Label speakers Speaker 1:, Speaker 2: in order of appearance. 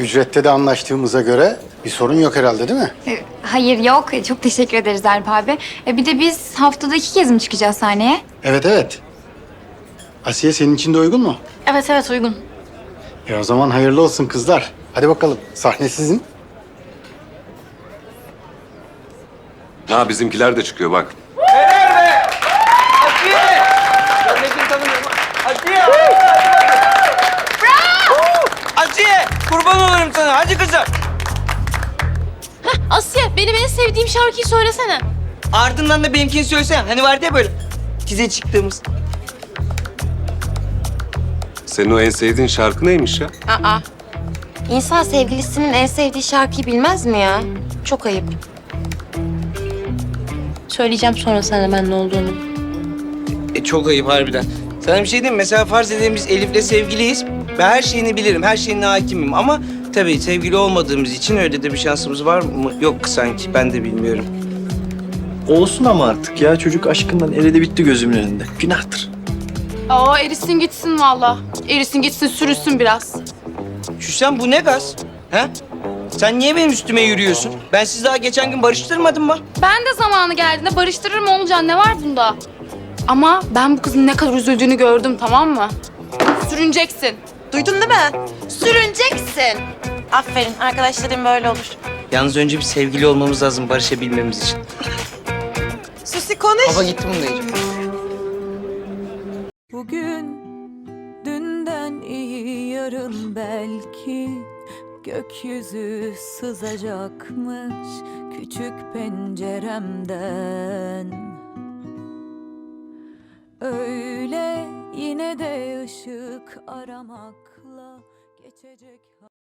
Speaker 1: Ücrette de anlaştığımıza göre bir sorun yok herhalde değil mi?
Speaker 2: Hayır yok. Çok teşekkür ederiz Alp abi. Bir de biz haftada 2 kez mi çıkacağız sahneye?
Speaker 1: Evet evet. Asiye senin için de uygun mu?
Speaker 3: Evet evet uygun.
Speaker 1: O zaman hayırlı olsun kızlar. Hadi bakalım sahne sizin.
Speaker 4: Ha bizimkiler de çıkıyor bak.
Speaker 5: Asiye! Ben de seni tanımıyorum. Asiye! Bravo! Asiye! Kurban olurum sana. Hadi kızım.
Speaker 3: Asya benim en sevdiğim şarkıyı söylesene.
Speaker 5: Ardından da benimkini söylesene. Hani vardı ya böyle. Size çıktığımız.
Speaker 4: Senin o en sevdiğin şarkı neymiş ya?
Speaker 6: Aa. İnsan sevgilisinin en sevdiği şarkıyı bilmez mi ya? Çok ayıp. Söyleyeceğim sonra sana ben ne olduğunu.
Speaker 5: Çok ayıp harbiden. Sana bir şey diyeyim mi? Mesela farz edelim biz Elif'le sevgiliyiz. Ben her şeyini bilirim, her şeyine hakimim ama tabii sevgili olmadığımız için öyle de bir şansımız var mı? Yok sanki, ben de bilmiyorum.
Speaker 7: Olsun ama artık ya. Çocuk aşkından eridi bitti gözümün önünde. Günahtır.
Speaker 3: Aa erisin gitsin valla. Erisin gitsin sürüsün biraz.
Speaker 5: Şuşan bu ne gaz? He? Sen niye benim üstüme yürüyorsun? Ben sizi daha geçen gün barıştırmadım mı?
Speaker 3: Ben de zamanı geldiğinde barıştırırım Oğulcan, ne var bunda? Ama ben bu kızın ne kadar üzüldüğünü gördüm, tamam mı? Sürüneceksin.
Speaker 6: Duydun değil mi? Sürüneceksin. Aferin. Arkadaşlarım böyle olur.
Speaker 5: Yalnız önce bir sevgili olmamız lazım barışabilmemiz için.
Speaker 6: Susi konuş.
Speaker 5: Baba gitti bunu da yiyeceğim.
Speaker 8: Bugün dünden iyi yarın belki gökyüzü sızacakmış küçük penceremden. Öyle yine de ışık aramakla geçecek.